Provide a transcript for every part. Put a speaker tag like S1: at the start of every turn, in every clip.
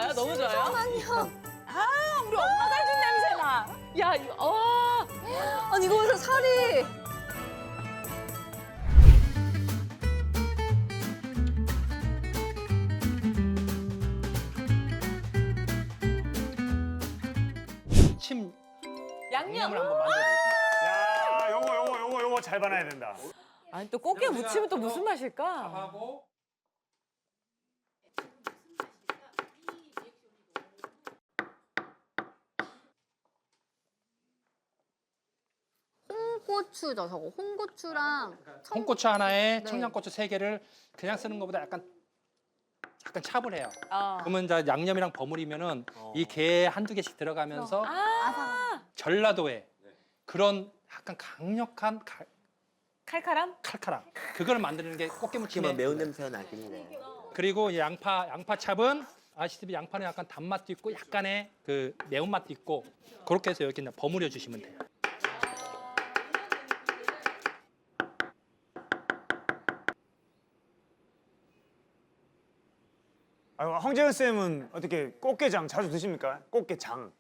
S1: 좋아요? 너무 좋아요?
S2: 잠깐만요.
S1: 아, 우리 엄마가 해준 냄새나. 야, 이거,
S2: 아니 이거 보세요 살이.
S3: 침
S1: 양념.
S3: 양념을 한번 만들어보겠습니다.
S4: 야, 요거 잘 봐놔야 된다.
S1: 아니, 또 꽃게 무치면 또 무슨 맛일까?
S3: 하고
S2: 홍고추죠 저거. 홍고추랑
S3: 홍고추 하나에
S2: 네.
S3: 청양고추 3개를 그냥 쓰는 것보다 약간 차분해요.
S1: 어.
S3: 그러면 이제 양념이랑 버무리면은 이 게 한두 개씩 들어가면서
S1: 아,
S3: 전라도의 그런 약간 강력한
S1: 칼칼함?
S3: 칼칼함 그걸 만드는 게 꽃게무침의
S5: 매운 냄새가 나겠네.
S3: 그리고 이 양파찹은 아시다시피 양파는 약간 단맛도 있고 약간의 그 매운맛도 있고 그렇게 해서 이렇게 버무려 주시면 돼요.
S4: 아, 황재현 쌤은 어떻게 꽃게장 자주 드십니까? 꽃게장.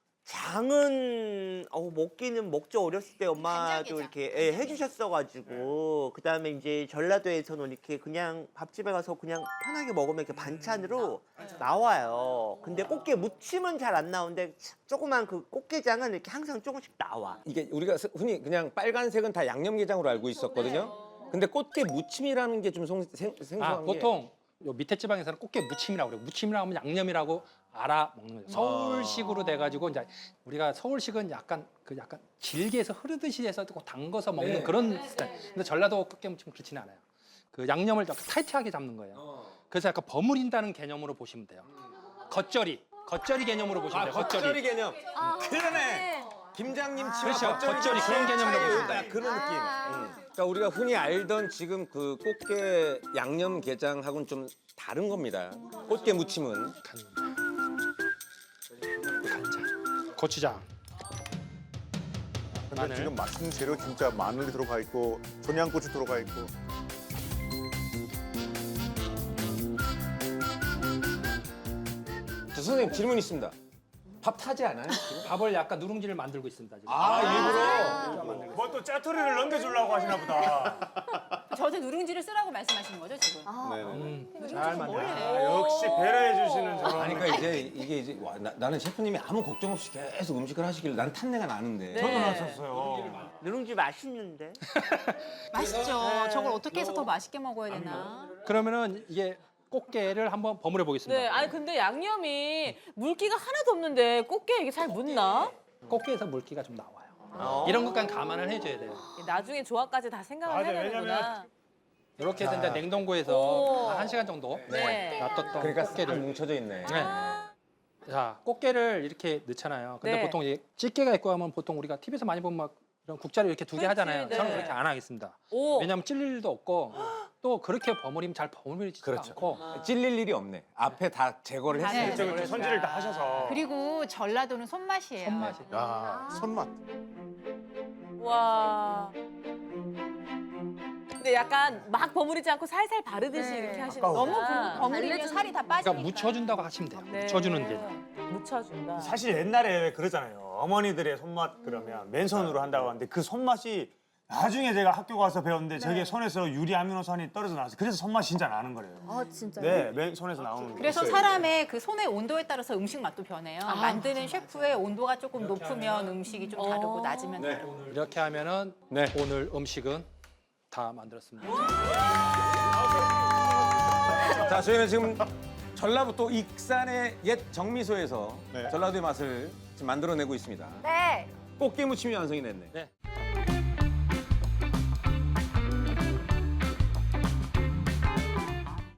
S5: 장은 먹기는 먹죠. 어렸을 때 엄마도 이렇게 해주셨어가지고 그다음에 이제 전라도에서는 이렇게 그냥 밥집에 가서 그냥 편하게 먹으면 이렇게 반찬으로 나와요. 근데 꽃게 무침은 잘 안 나오는데 조그만 그 꽃게장은 이렇게 항상 조금씩 나와.
S6: 이게 우리가 흔히 그냥 빨간색은 다 양념게장으로 알고 있었거든요. 근데 꽃게 무침이라는 게 좀 생소한 게
S3: 보통 요 밑에 지방에서는 꽃게 무침이라고 그래요. 무침이라고 하면 양념이라고 알아 먹는 거죠. 서울식으로 돼가지고 이제 우리가 서울식은 약간 질게 해서 흐르듯이 해서 또 담궈서 먹는 그런 스타일. 근데 전라도 꽃게 무침은 그렇지는 않아요. 그 양념을 약간 타이트하게 잡는 거예요. 그래서 약간 버무린다는 개념으로 보시면 돼요. 겉절이 개념으로 보시면 돼요.
S6: 겉절이 개념.
S2: 그러네.
S6: 김장님 치와
S3: 그렇죠. 겉절이 그런 개념으로 보시면 돼요.
S6: 그런 느낌. 그러니까 우리가 흔히 알던 지금 그 꽃게 양념 게장하고는 좀 다른 겁니다. 꽃게 무침은
S3: 간장, 고추장,
S7: 근데
S3: 마늘.
S7: 지금 맛있는 재료 진짜 마늘이 들어가 있고 청양고추 들어가 있고
S6: 저 선생님 질문 있습니다. 밥 타지 않아요? 지금?
S3: 밥을 약간 누룽지를 만들고 있습니다. 지금.
S6: 일부러.
S4: 뭐 또 짜투리를 넘겨주려고 하시나 보다.
S1: 저한테 누룽지를 쓰라고 말씀하시는 거죠, 지금?
S3: 잘 만들어.
S4: 아, 역시 배려해 주시는 저런.
S6: 아니 그러니까 이게 나는 셰프님이 아무 걱정 없이 계속 음식을 하시길래 난 탄내가 나는데.
S1: 네.
S4: 저도 났었어요.
S5: 누룽지 맛있는데.
S1: 맛있죠. 저걸 어떻게 해서 더 맛있게 먹어야 되나?
S3: 그러면은 이게 꽃게를 한번 버무려 보겠습니다.
S1: 네, 아니 근데 양념이 물기가 하나도 없는데 꽃게 이게 잘 묻나?
S3: 꽃게에서 물기가 좀 나와요. 이런 것까지 감안을 해줘야 돼요.
S1: 나중에 조합까지 다 생각을
S4: 맞아요.
S1: 해야 되는구나.
S3: 이렇게 해서 이제 냉동고에서
S1: 오.
S3: 한 1시간 정도
S1: 네.
S3: 놔뒀던
S6: 그러니까 싹
S3: 꽃게를.
S6: 뭉쳐져 있네.
S3: 네. 자, 꽃게를 이렇게 넣잖아요. 근데
S1: 네.
S3: 보통 이게 찌개가 있고 하면 보통 우리가 TV에서 많이 보면 막 이런 국자를 이렇게 2개 하잖아요.
S1: 네.
S3: 저는 그렇게 안 하겠습니다.
S1: 오.
S3: 왜냐하면 찔릴 일도 없고 또 그렇게 버무리면 잘 버무리지도
S6: 그렇죠.
S3: 않고
S6: 찔릴 일이 없네. 앞에 다 제거를
S1: 다
S6: 했어요.
S4: 그렇죠, 그렇죠. 손질을 다 하셔서.
S8: 그리고 전라도는 손맛이에요.
S3: 손맛이.
S7: 야 손맛.
S1: 와. 근데 약간 막 버무리지 않고 살살 바르듯이 이렇게 하시는
S4: 아까워.
S8: 너무 버무리면 살이 다 빠지니까.
S3: 그러니까 묻혀준다고 하시면 돼요.
S1: 네.
S3: 묻혀주는 게.
S1: 묻혀준다.
S4: 사실 옛날에 왜 그러잖아요. 어머니들의 손맛 그러면 맨손으로 한다고 하는데 그 손맛이 나중에 제가 학교 가서 배웠는데 저게 손에서 유리 아미노산이 떨어져 나와서 그래서 손맛이 진짜 나는 거래요.
S2: 아 진짜요?
S4: 네, 맨손에서 나오는 거.
S8: 그래서 사람의 그 손의 온도에 따라서 음식 맛도 변해요. 만드는 셰프의 온도가 조금 높으면 음식이 좀 다르고 낮으면 다르고.
S3: 이렇게 하면은
S6: 네.
S3: 오늘 음식은 다 만들었습니다.
S6: 자, 저희는 지금 전라북도 익산의 옛 정미소에서
S7: 네.
S6: 전라도의 맛을 지금 만들어내고 있습니다.
S2: 네.
S6: 꽃게 무침이 완성이 됐네.
S3: 네.